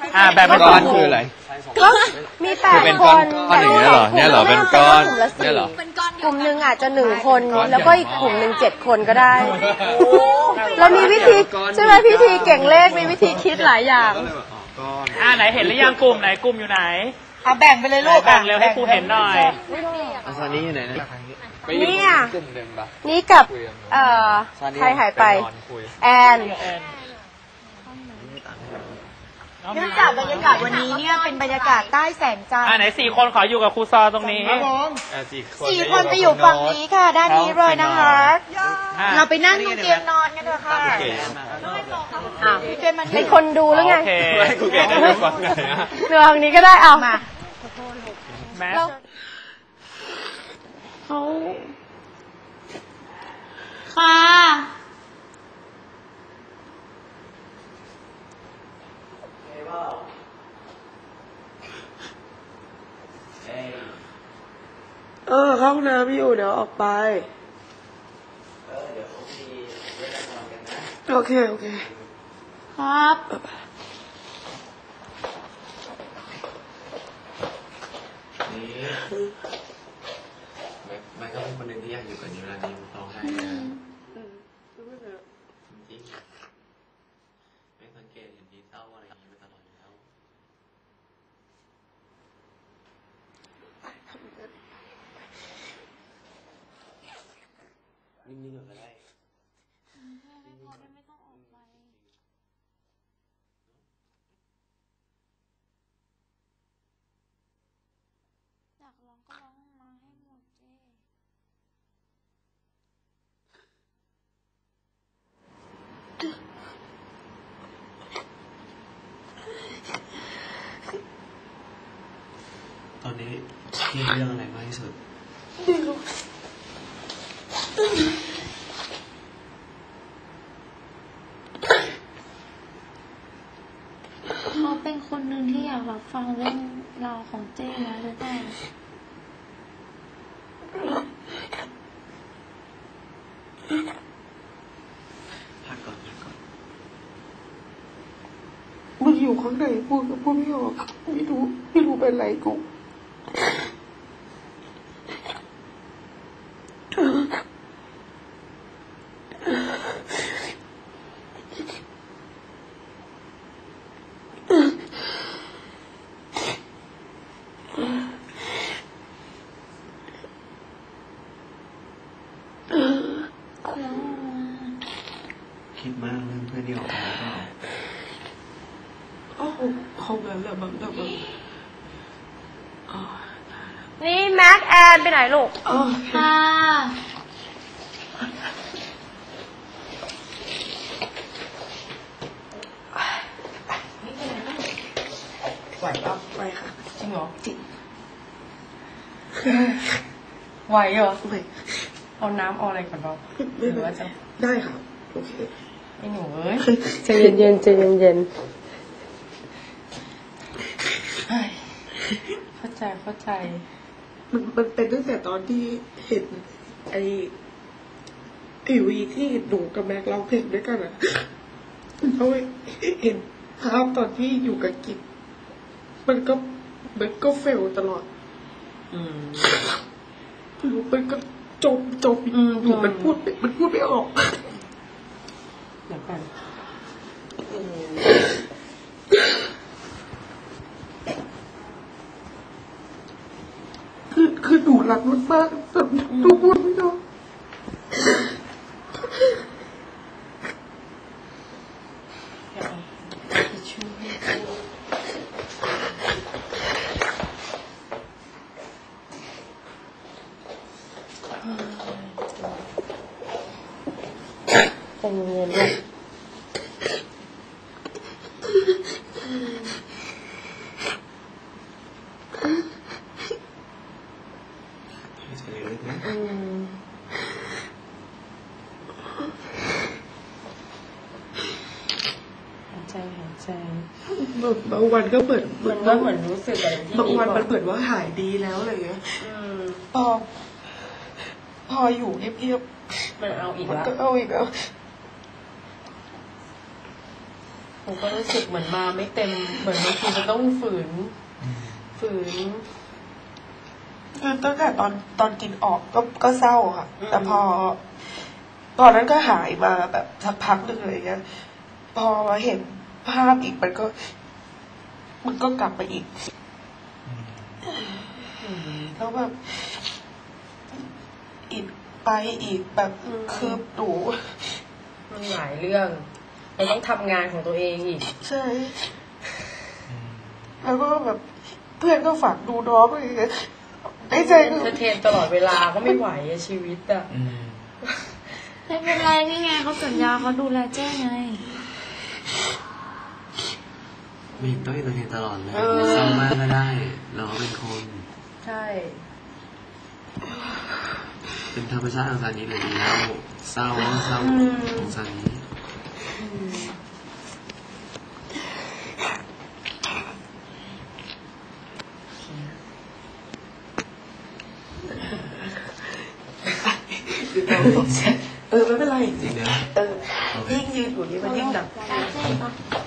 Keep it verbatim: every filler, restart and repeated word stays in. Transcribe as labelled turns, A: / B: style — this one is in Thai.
A: อ่าแบ่งเป็นก้อนคืออะไร
B: ก็มีแปดคน
A: ก้อนอย่างเงี้ยเหรอเนี่ยเหรอเป็นก้อนเนี่ยเหร
B: อกลุ่มหนึ่งอาจจะหนึ่งคนแล้วก็อีกกลุ่มหนึ่งเจ็ดคนก็ได้เรามีวิธีใช่ไหมพิธีเก่งเลขมีวิธีคิดหลายอย่าง
A: อ่าไหนเห็นหรือยังกลุ่มไหนกลุ่มอยู่ไหน
B: อ่ะแบ่งไปเลยลูก
A: แบ่งเร็วให้ครูเห็นหน่อย
C: ซานี่อยู่ไหนนะ
B: นี่อ่ะนี่กับเอ่อใครหายไปแอนเนื่องจากบรรยากาศวันนี้เนี่ยเป็นบรรยากาศใต้แสงจันทร์
A: อ่าไหนสี่คนขออยู่กับครูซอตรงนี้
B: สี่คนไปอยู่ฝั่งนี้ค่ะด้านนี้เลยนะคะเราไปนั่งตรงเตียงนอนกันเถอะค่ะเป็นคนดูแล้วไง
A: ครูเก๋จะอยู่ฝั่งไหนอะ
B: เรือทางนี้ก็ได้เอามา
A: แม่
B: เขาค่ะเออเข้าห้องน้ำอยู่เดี๋ยวออกไปเออเดี๋ยวผมมีเวลานอนกันนะโอเคโอเคครับ
C: นี่มันก็เป็นคนหนึ่งที่อยากอยู่กับนิวแล้วนิวร้องไห้นะจริงไม่สังเกตเห็นดีเศร้าอะไรอย่างนี้มาตลอดแล้วนิ่งๆก็ได้
D: ให้พอได้ไม่ต้องออกไปอยากร้องก็ร้องมาให้หมดเจ้
C: ตอนนี้คิดเรื่องอะไรมากที่สุด
B: ไม่รู้
D: เขาเป็นคนหนึ่งที่อยากรับฟังเรื่องราวของเจ้นะหรือเปล่า
C: พักก่อนพักก่อน
B: มันอยู่ข้างในพูดก็พูดไม่ออกไม่รู้ไม่รู้เป็นไรกู
C: คิดมากเรื่องเพื่อนที่ออกมาแล้วก็
B: โอ้เขาแบบแบบแบบแบบนี่แม็กแอนไปไหนลูก
D: ค่ะ
B: ไหวปะไหวค่ะจริงเหรอจริง
E: ไหวเหรอเอาน้ำเอาอะไรก่อนเราหรือว่าจะ
B: ได้ค่ะโอเค
E: ไอ้หนูเอ้ย
B: ใจเย็นเย็นใจเย็นเย็น
E: เข้าใจเข้าใจ
B: มันมันเป็นตั้งแต่ตอนที่เห็นไอ้ไอวีที่หนูกับแม็กร้องเพลงด้วยกันอ่ะเขาเห็นภาพตอนที่อยู่กับกิจมันก็มันก็เฟลตลอด
E: อืม
B: มันก็จบจบอยู่มันพูดมันพูดไม่ออก
E: เดี๋ยวกัน
B: คือคือหนูรักมันมากแต่หนูพูดไม่ได้ใจเย็นๆด้วย
E: ใจหายใจ
B: บางวันก็เหมือน
E: มันก็เหมือนรู้สึกอะไรที่
B: บางวันมันเหมือนว่าหายดีแล้วอะไรเงี้ยพอพออยู่เงียบ
E: ๆมันเอาอีกแล้ว
B: ก็เอาอีกแล้ว
E: หนูก็รู้สึกเหมือนมาไม่เต็มเหมือนบางทีมันต้องฝืน ฝืน
B: คือตั้งแต่ตอนตอนกินออกก็ก็เศร้าค่ะ แต่พอ ตอนนั้นก็หายมาแบบสักพักหนึ่งอะไรเงี้ย พอมาเห็นภาพอีกมันก็ มันก็กลับมาอีกแล้วแบบอีกไปอีกแบบ
E: อืม
B: คือหนู
E: มันหลายเรื่องเราต้องทำงานของตัวเองอีก
B: ใช่ แล้วก็แบบเพื่อนก็ฝากดูน้องอะไรอย่างเงี้ยในใจ
E: เอน
B: คือ
E: เตอร์เทนตลอดเวลาก็ไม่ไหวอะชีวิตอะ
A: อืม
D: ไม่เป็นไรนี่ไงเขาสัญญาเขาดูแลเจ้ไง
C: ไม่ต้องเอนเตอร์เทนตลอดเลยเศร้ามากก็ได้ เราก็เป็นคน
E: ใช่
C: เป็นธรรมชาติของซานี้เลยดีแล้วเศร้าก็เศร้าของซานี้
B: เออไม่เป็นไร
C: จริงนะ
B: เออยิ่งยืนอยู่นี่มันยิ่งหนัก
D: เจ้ปะ